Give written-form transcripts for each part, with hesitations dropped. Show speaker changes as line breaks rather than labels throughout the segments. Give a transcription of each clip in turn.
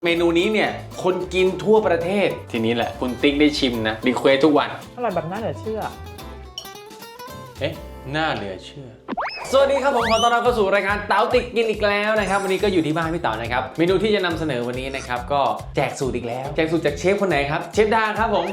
เมนูนี้เนี่ยคนกินทั่วประเทศทีนี้แหละคุณติ๊กได้ชิมนะรีเควสทุกวัน
อร่อยแบบน่าเหลือเชื่อ
เอ๊ะน่าเหลือเชื่อสวัสดีครับผมขอต้อนรับเข้าสู่รายการเต๋าติ๊กกินอีกแล้วนะครับวันนี้ก็อยู่ที่บ้านพี่เต๋านะครับเมนูที่จะนำเสนอวันนี้นะครับก็แจกสูตรอีกแล้วแจกสูตรจากเชฟคนไหนครับเชฟดาครับผม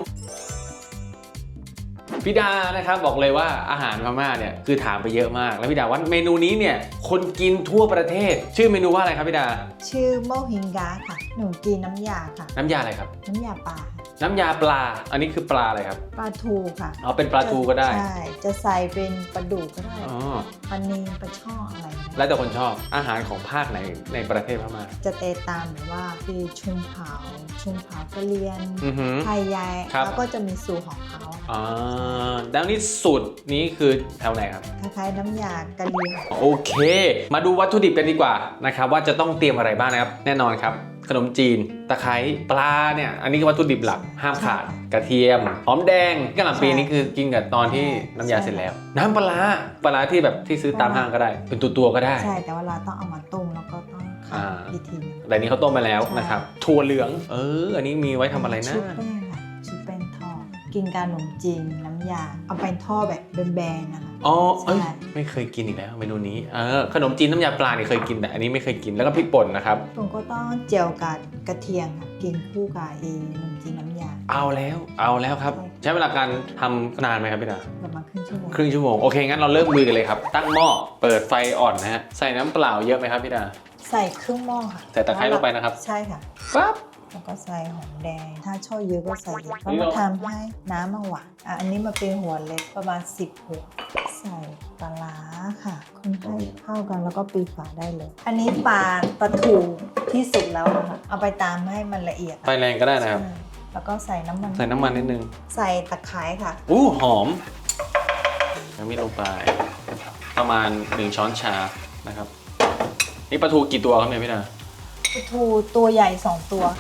พี่ดานะครับบอกเลยว่าอาหารพม่าเนี่ยคือถามไปเยอะมากแล้วพี่ดาว่าเมนูนี้เนี่ยคนกินทั่วประเทศชื่อเมนูว่าอะไรครับพี่ดา
ชื่อโมฮิงกาค่ะหนูกินน้ำยาค่ะ
น้ำยาอะไรครับ
น้ำยาปลา
น้ำยาปลาอันนี้คือปลาอะไรครับ
ปลาทูค่ะ
อ๋อเป็นปลาทูก็ได้
ใช่จะใส่เป็นปลาดุกก็ได้
อ๋อ
ปลานิลปลาช่ออะไรนะ
แล้วแต่คนชอบอาหารของภาคไหนในประเทศพม่า
จะเตะตามแบบว่าคือชุมเผากะเลียน
อือหือ
ไทยใหญ่
ครับ
แล้วก็จะมีสูตรของเขา
อ่าแล้วนี่สูตรนี้คือแถวไหนครับ
คล้ายๆน้ำยากะเลียน
โอเค มาดูวัตถุดิบกันดีกว่านะครับว่าจะต้องเตรียมอะไรบ้างนะครับแน่นอนครับขนมจีนตะไคร้ปลาเนี่ยอันนี้คือวัตถุดิบหลักห้ามขาดกระเทียมหอมแดงกะหล่ำปีนี่คือกินกับตอนที่น้ำยาเสร็จแล้ว น้ำปลาร้าที่แบบที่ซื้อตามห้างก็ได้ เป็นตัวก็ได้
ใช่แต่ว่าเราต้องเอามาต้มแล้วก็ต้องขัดอีกทีนึง
แต่นี้เขาต้มมาแล้วนะครับถั่วเหลืองอันนี้มีไว้ทำอะไรนะ
ชุบแป้งค่ะชุบแป้งทอดกินกับขนมจีนน้ำยาเอาไปทอดแบบแบนๆนะคะ
อ๋อ
ใช่
ไม่เคยกินอีกแล้วเมนูนี้ขนมจีนน้ำยาปลาเนี่ยเคยกินแต่อันนี้ไม่เคยกินแล้วก็พริกป่นนะครับ
ผมก็ต้องเจียวกับกระเทียมค่ะกินคู่กับขนมจีนน้ำยา
เอาแล้วครับ ใช้เวลาการทำนานไหมครับพี่ดา
ประมาณครึ่งชั่วโมง
ครึ่งชั่วโมงโอเคงั้นเราเริ่มลุยกันเลยครับตั้งหม้อเปิดไฟอ่อนนะฮะใส่น้ำเปล่าเยอะไหมครับพี่ดา
ใส่ครึ่งหม้อค่ะ
ใส่ตะไคร้ลงไปนะครับ
ใช่ค่ะ
ปั๊บ
แล้วก็ใส่หอมแดง ถ้าชอบเยอะก็ใส่เยอะ
นี่
ก็
เรา
มาทำให้น้ำมันหวานอันนี้มาเป็นหัวเล็กประมาณ10หัวใส่ปลาร้าค่ะคนให้เข้ากันแล้วก็ปิดฝาได้เลย อันนี้ปลาทูที่สุกแล้วนะคะเอาไปตามให้มันละเอียด
ไฟแรงก็ได้นะครับ
ใช่แล้วก็ใส่น้ำมัน
ใส่น้ำมันนิดนึง
ใส่ตะไคร้ค่ะ
หอมน้ำมิลงไปประมาณ1ช้อนชานะครับนี่ปลาทูกี่ตัวครับเนี่ยพี่ดา
ปลาทูตัวใหญ่2ตัว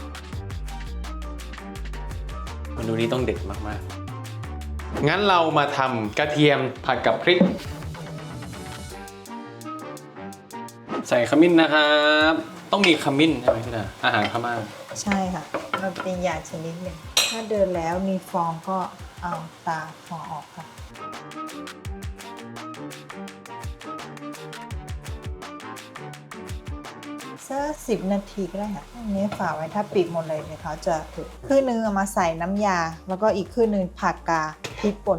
เมนูนี้ต้องเด็ดมากๆงั้นเรามาทำกระเทียมผัดกับพริก ใส่ขมิ้นนะครับต้องมีขมิ้นใช่ไหมพี่ดาอาหารพม่า
ใช่ค่ะ มันเป็นยาชนิดหนึ่งถ้าเดินแล้วมีฟองก็เอาตาฟองออกค่ะสัก10 นาทีก็ได้ค่ะอันนี้ฝาไว้ถ้าปิดหมดเลยเดี๋ยวเขาจะผุครึ่งนึงเอามาใส่น้ำยา แล้วก็อีกครึ่งนึงผักกาพริกป่น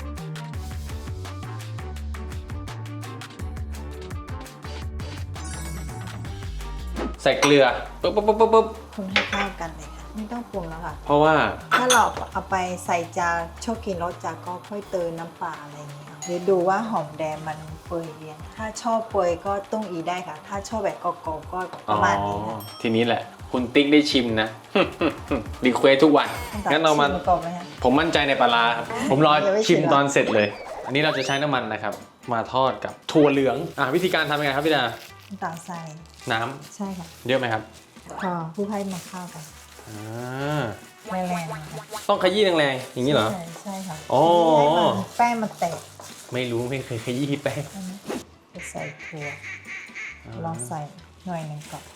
ใส่เกลือปุ๊บ
คนให้เข้ากันเลยค่ะไม่ต้องปรุงแล้วค่ะ
เพราะว่า
ถ้าเราเอาไปใส่จานชอบกินรสจัดก็ค่อยเติมน้ำปลาอะไรอย่างเงี้ยหรือดูว่าหอมแดงมันเปื่อยเรียงถ้าชอบเปื่อยก็ต้องอีได้ค่ะ ถ้าชอบแบบกรอบๆก็ประมาณนี้ค่ะ
ทีนี้แหละ คุณติ๊กได้ชิมนะ รีเควสทุกวันงั้นเรามา
ชิก่อนไหมคะ
ผมมั่นใจในปลาร้าครับผมรอ
ยังไม่ชิ
ชิ
ม
ม
เหรอ
ตอนเสร็จเลย อันนี้เราจะใช้น้ำมันนะครับ มาทอดกับถั่วเหลืองวิธีการทำยังไงครับพี่ดา
น้ำตาลใส่
น้ำ
ใช่ค่ะ
เยอะไหมครับ
พอผู้ให้มาเข้ากัน
อ่า
ไม่แรงนะคะ
ต้องขยี้แรงๆอย่างนี้เหรอ
ใช่ค่ะ
อ๋อ
ให้มันแป้งมันแตก
ไม่รู้ไม่เคยขยี้แป้ง
จะใส่ถั่วลองใส่หน่อยหนึ่งก่อน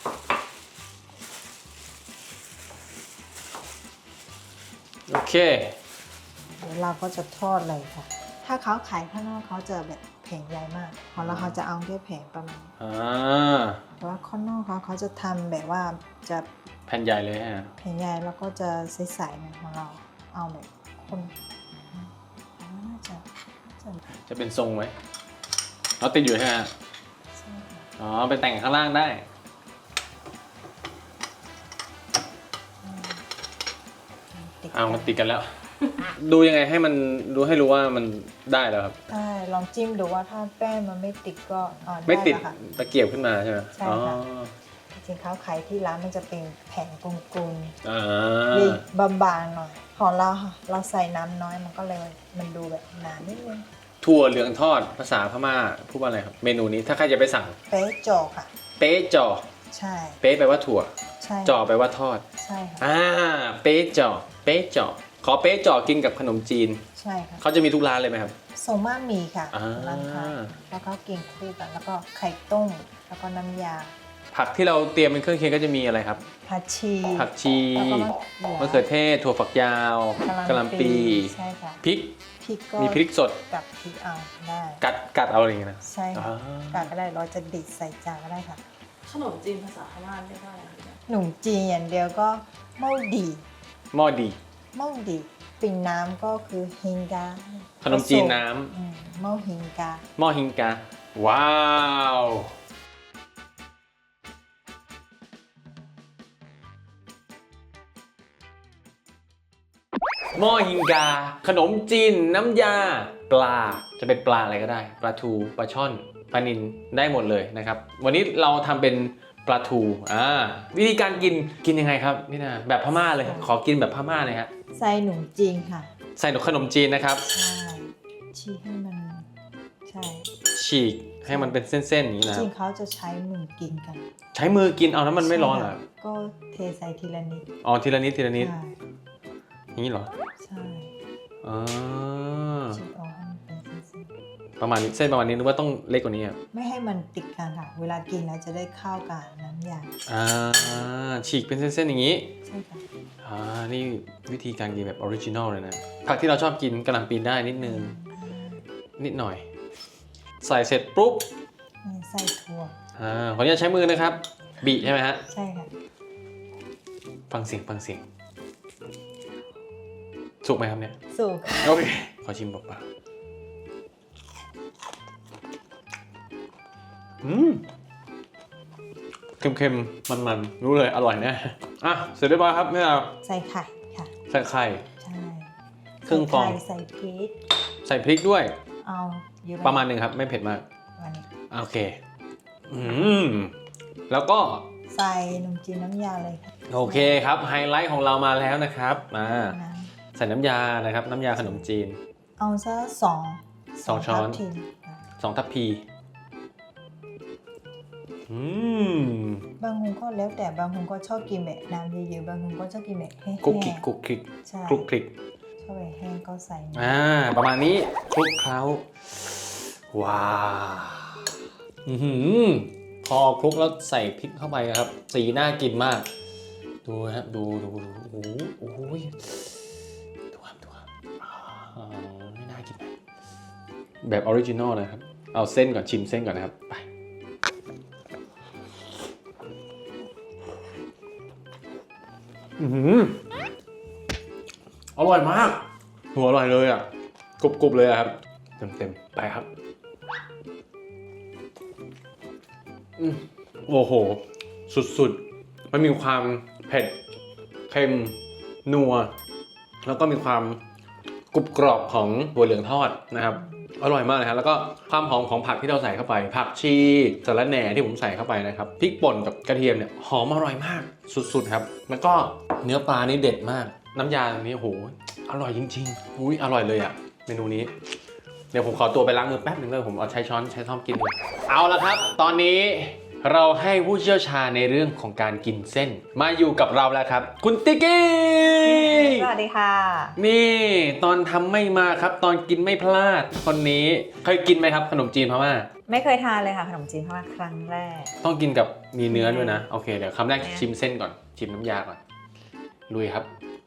โอเค
เดี๋ยวเราก็จะทอดเลยค่ะ ถ้าเขาขายข้างนอกเขาจะแบบแผงใหญ่มากของเราเขาจะเอาแค่แผงประมาณนี้
อ่า
แต่ว่าข้างนอกเขาจะทำแบบว่าจะ
แผ่นใหญ่เลยฮะ
แผงใหญ่แล้วก็จะใสๆนะของเราเอาแบบคนน่าจะ
จะเป็นทรงไหมเราติดอยู่ใช่ไหมฮะ
ใช่ค่ะ
อ๋อไปแต่งข้างล่างได้
ติด
เอามันติดกันแล้ว ดูยังไงให้มันดูให้รู้ว่ามันได้แล้วครับ
ใช่ลองจิ้มดูว่าถ้าแป้งมันไม่ติดก็
ไม่ติด
ได้แล้วค่ะ
ตะเกียบขึ้นมาใช่ไหม
ใช่
อ๋อ
ค่ะ จริงๆเขาขายที่ร้านมันจะเป็นแผงกลม
อ่า
ๆบางๆหน่อยของเราค่ะเราใส่น้ำน้อยมันก็เลยมันดูแบบหนานิดนึง
ถั่วเหลืองทอดภาษาพม่าพูดว่าอะไรครับ เมนูนี้ถ้าใครจะไปสั่ง
เป๊ะโจอค่ะ
เป๊ะจ่อ
ใช่
เป๊ะแปลว่าถั่ว
ใช่
จ่อแปลว่าทอด
ใช่ค่ะ
เป๊ะจ่อเป๊ะจ่อขอเป๊ะจ่อกินกับขนมจีน
ใช่ค่ะ
เขาจะมีทุกร้านเลยไหมครับ
ส่งมากมีค่ะ
อ่า
ร้านค้าแล้วก็กินคู่กัน แล้วก็ไข่ต้มแล้วก็น้ำยา
ผผักที่เราเตรียมเป็นเครื่องเคียงก็จะมีอะไรครับ
ผักชี
ผักชี
แล้วก็
มะเขือเทศถั่วฝักยาวกะหล่ำปี
ใช่ค่ะ
พริก
พริกก็
มีพริกสด
กับพริกเอาได้
กัดเอาอะไรอย่างเงี้ยนะ
ใช่ค่ะ
อ่า
กัดก็ได้เราจะดิดใส่จานก็ได้ค่ะ
ขนมจีนภาษาพม่าเรียกว่าอะไรคะ
หนุ่มจีนอย่างเดียวก็เมาดี
หม้อดี
เมาดีปิ่นน้ำก็คือฮิงกา
ขนมจีนน้ำ
เมาฮิงกา
หม้อฮิงกา ว้าว หม้อฮิงกา ขนมจีนน้ำยา ปลา จะเป็นปลาอะไรก็ได้ ปลาทูปลาช่อนปลานิลได้หมดเลยนะครับ วันนี้เราทำเป็นปลาทูวิธีการกินยังไงครับนี่นะแบบพม่าเลย ขอกินแบบพม่าเลยฮะ
ใส่หนุ่มจีนค่ะ
ใส่ขนมจีนนะครับ
ใช่ชีให้มันใช่
ฉีกให้มันเป็นเส้นๆอย่างนี้นะ
จริงเขาจะใช้มือกินกัน
ใช้มือกินเอาแล้วมันไม่ร้อนเหรอ
ใช่ค่ะก็เทใส่ทีละนิด
อ๋อทีละนิดทีละนิด
ใช่
อย่างนี้เหรอ
ใช่
อ๋อ
ฉีกออกให้มันเป็นเส้น
ประมาณนี้เส้นประมาณนี้นึกว่าต้องเล็กกว่านี้อ่ะ
ๆไม่ให้มันติดกันค่ะ เวลากินแล้วจะได้เข้ากับน้ำยา
ฉีกเป็นเส้นๆอย่างนี้
ใช่ค่ะ
นี่วิธีการกินแบบออริจินอลเลยนะผักที่เราชอบกินกะหล่ำปีได้นิดนึงนิดหน่อย ใส่เสร็จปุ๊บ
นี่ใส่ถั่ว
ขออนุญาตใช้มือนะครับบีใช่ไหมฮะ
ใช่ค่ะ
ฟังเสียงสุกไหมครับเนี่ย
สุก
โอเคขอชิมเปล่าๆเค็มๆมันๆรู้เลยอร่อยแน่เสร็จเรียบร้อยครับแม่ดาว
ใส่ไข่ค่ะ
ใส่ไข่
ใช่
ครึ่งฟอง
ใส่พริก
ใส่พริกด้วย
เอาเยอะไห
ประมาณหนึ่งครับไม่เผ็ดมาก
ประมาณนี้
โอเคแล้วก็
ใส่นมจีนน้ำยาเลยค่ะ
โอเคครับไฮไลท์ของเรามาแล้วนะครับมา
น้
ใส่น้ำยานะครับน้ำยาขนมจีน
ำเอาซะสอง
สองช้อน
ทัพทิมค่ะ
2 ทัพพี
บางคนก็แล้วแต่บางคนก็ชอบกินแบบน้ำเยอะๆบางคนก็ชอบกินแบบแห้งๆ
คลุกคลิกคลุกคลิก
ใช่
คลุกคลิก
ชอบแบบแห้งก็ใส่น้ำ
ประมาณนี้คลุกเคล้าว้าวพอคลุกแล้วใส่พริกเข้าไปครับ สีน่ากินมาก ดูครับดูโอ้โหดูครับไม่น่ากินแบบออริจินอลเลยครับเอาเส้นก่อนชิมเส้นก่อนนะครับไปอร่อยมากหัวอร่อยเลยอ่ะกรุบๆเลยครับเต็มไปครับโอ้โหสุดๆมันมีความเผ็ดเค็มนัวแล้วก็มีความกรุบกรอบของถั่วเหลืองทอดนะครับอร่อยมากเลยครับแล้วก็ความหอมของผักที่เราใส่เข้าไปผักชีสะระแหน่ที่ผมใส่เข้าไปนะครับพริกป่นกับกระเทียมเนี่ยหอมอร่อยมากสุดๆครับแล้วก็เนื้อปลานี่เด็ดมากน้ำยาตรงนี้โอ้โหอร่อยจริงๆอุ้ยอร่อยเลยอ่ะเมนูนี้เดี๋ยวผมขอตัวไปล้างมือแป๊บนึงเลยผมเอาใช้ช้อนใช้ซ่อมกินเลยเอาละครับตอนนี้เราให้ผู้เชี่ยวชาญในเรื่องของการกินเส้นมาอยู่กับเราแล้วครับคุณติ๊กกี้
สวัสดีค่ะ
นี่ตอนทำไม่มาครับตอนกินไม่พลาดคนนี้เคยกินไหมครับขนมจีนพม่า
ไม่เคยทานเลยค่ะขนมจีนพม่าครั้งแรก
ต้องกินกับมีเนื้อด้วยนะโอเคเดี๋ยวคำแรกชิมเส้นก่อนชิมน้ำยาก่อนลุยครับ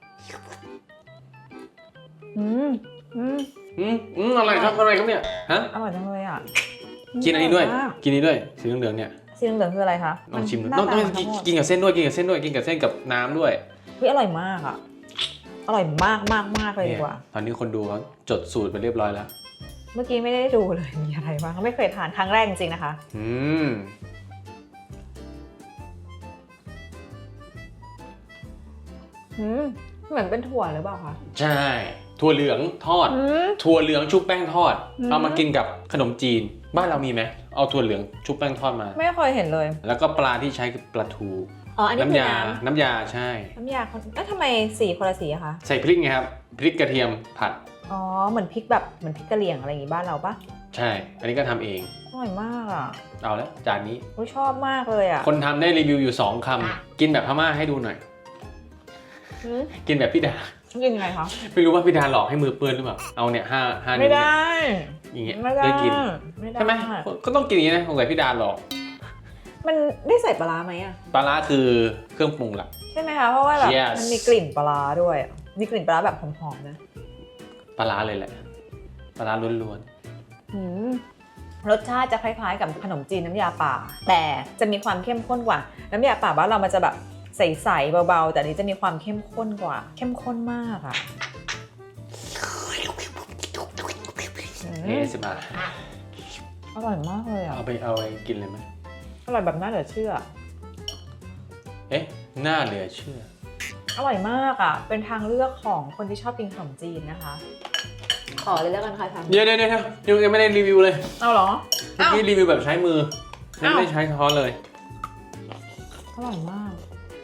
อะไรครับอะไรครับเนี่ยฮะ
อร่อยจังเลยอ่ะ
กินอันนี้ด้วย
ร่มาก
กินนี้ด้วยสีเหลืองๆเนี่ย
สีเหลืองๆคืออะไรคะ
ลองชิมดู
หน้า
ต้อง
ตา
ต้อง
มันทั้งหมด
กินกับเส้นด้วยกินกับเส้นด้วยกินกับเส้นกับน้ำด้วย
เฮ้ยอร่อยมากอ่ะอร่อยมากมากมากเลยดีกว่า
ตอนนี้คนดูเขาจดสูตรไปเรียบร้อยแล้ว
เมื่อกี้ไม่ได้ดูเลยมีอะไรบ้างไม่เคยทานครั้งแรกจริงๆนะคะ เหมือนเป็นถั่วหรือเปล่าคะ
ใช่ถั่วเหลืองทอดถั่วเหลืองชุบแป้งทอดเอามากินกับขนมจีนบ้านเรามีไหมเอาถั่วเหลืองชุบแป้งทอดมา
ไม่เคยเห็นเลย
แล้วก็ปลาที่ใช้คือปลาทู
อ๋ออันนี้คือน้
น้ำยาใช่
ำน้ำยาทำไมสีคนละสีอะคะ
ใส่พริกไงครับพริกกระเทียมผัด
อ๋อเหมือนพริกแบบเหมือนพริกกะเหรี่ยงอะไรอย่างงี้บ้านเราปะ
ใช่ อันนี้ก็ทำเอง
อร่อยมากอ่ะ
เอาแล้วจานนี้
อุ๊ยชอบมากเลยอ่ะ
คนทำได้รีวิวอยู่2 คำกินแบบพม่าให้ดูหน่อย กินแบบพี่ดา
กินยังไงคะ
ไม่รู้ว่าพี่ดาหลอกให้มือเปื้อนหรือเปล่าเอาเนี่ย5 นิ้ว
ไม่
เนี่ย
ได้
อย่างเงี้ย
ไม่ได้
ได้กิน
ไม่ได้
ใช่ไหมก็ต้องกินอย่างนี้นะสงสัยพี่ดาหลอก
มันได้ใส่ปลาร้าไหมอะ
ปลาร้าคือเครื่องปรุงหลัก
ใช่ไหมคะเพราะว่าแบบ
Yes
มันมีกลิ่นปลาร้าด้วยอะมีกลิ่นปลาร้าแบบหอมๆนะ
ปลาร้าเลยแหละปลาร้าล้วน
อืมรสชาติจะคล้ายๆกับขนมจีนน้ำยาป่า แต่จะมีความเข้มข้นกว่าน้ำยาป่าบ้านเรามันจะแบบใสๆเบาๆแต่อันนี้จะมีความเข้มข้นกว่า เข้มข้นมากอะอื
ๆ
ม
เอสมา
อร่อยมากเลยอะ
เอาไปกินเลยไหม
อร่อยแบบน่าเหลือเชื่อ
เอ๊ะน่าเหลือเชื่อ
อร่อยมากอะเป็นทางเลือกของคนที่ชอบกินขนมจีนนะคะ ขอเลยแล้วกันค่ะทำ
เดี๋ยวยังไม่ได้รีวิวเลย
เอาเหรอ
เมื่อกี้รีวิวแบบใช้มือไม่
อ้าว
ได้ใช้ช้อนเลย
อร่อยมาก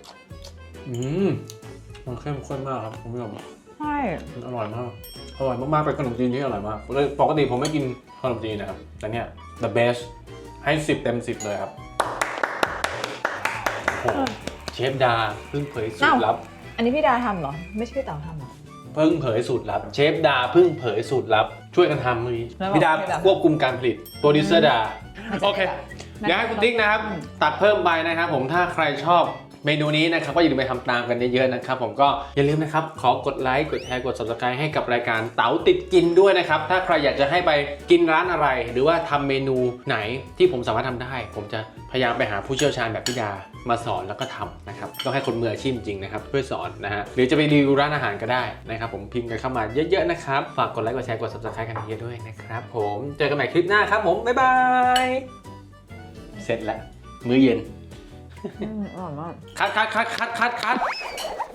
มันเข้มข้นมากครับคุณผู้ชม
ใช่
มันอร่อยมากเป็นขนมจีนที่อร่อยมากปกติผมไม่กินขนมจีนนะครับแต่เนี่ย the best ให้10 เต็ม 10เลยครับโอ้โหเชฟดาเพิ่งเผยสูตรลับ
อันนี้พี่ดาทำเหรอไม่ใช่พี่เต๋าทำเหรอ
เพิ่งเผยสูตรลับเชฟดาเพิ่งเผยสูตรลับช่วยกันทำเลย
แล้วบอก
พี่ดา
ให้แบบ
ควบคุมการผลิตโปรดิวเซอร์ดา
มันจะ
โอเค
ได้แบบ
เดี๋ยวให้คุณติ๊กนะครับ ตัดเพิ่มไปนะครับผมถ้าใครชอบเมนูนี้นะครับก็อย่าลืมไปทำตามกันเยอะๆนะครับผมก็อย่าลืมนะครับขอกดไลค์กดแชร์กด subscribe ให้กับรายการเต๋าติดกินด้วยนะครับถ้าใครอยากจะให้ไปกินร้านอะไร หรือว่าทำเมนูไหนที่ผมสามารถทำได้ ผมจะพยายามไปหาผู้เชี่ยวชาญแบบพี่ดามาสอนแล้วก็ทำนะครับต้องให้คนมืออาชีพจริงนะครับเพื่อสอนนะฮะหรือจะไปรีวิวร้านอาหารก็ได้นะครับผมพิมพ์กันเข้ามาเยอะๆนะครับฝากกดไลค์กดแชร์กด subscribe กันเยอะๆด้วยนะครับผมเจอกันใหม่คลิปหน้าครับผมบ๊ายบายเสร็จแล้วมื้อเย็น
อร่อยมาก
คัด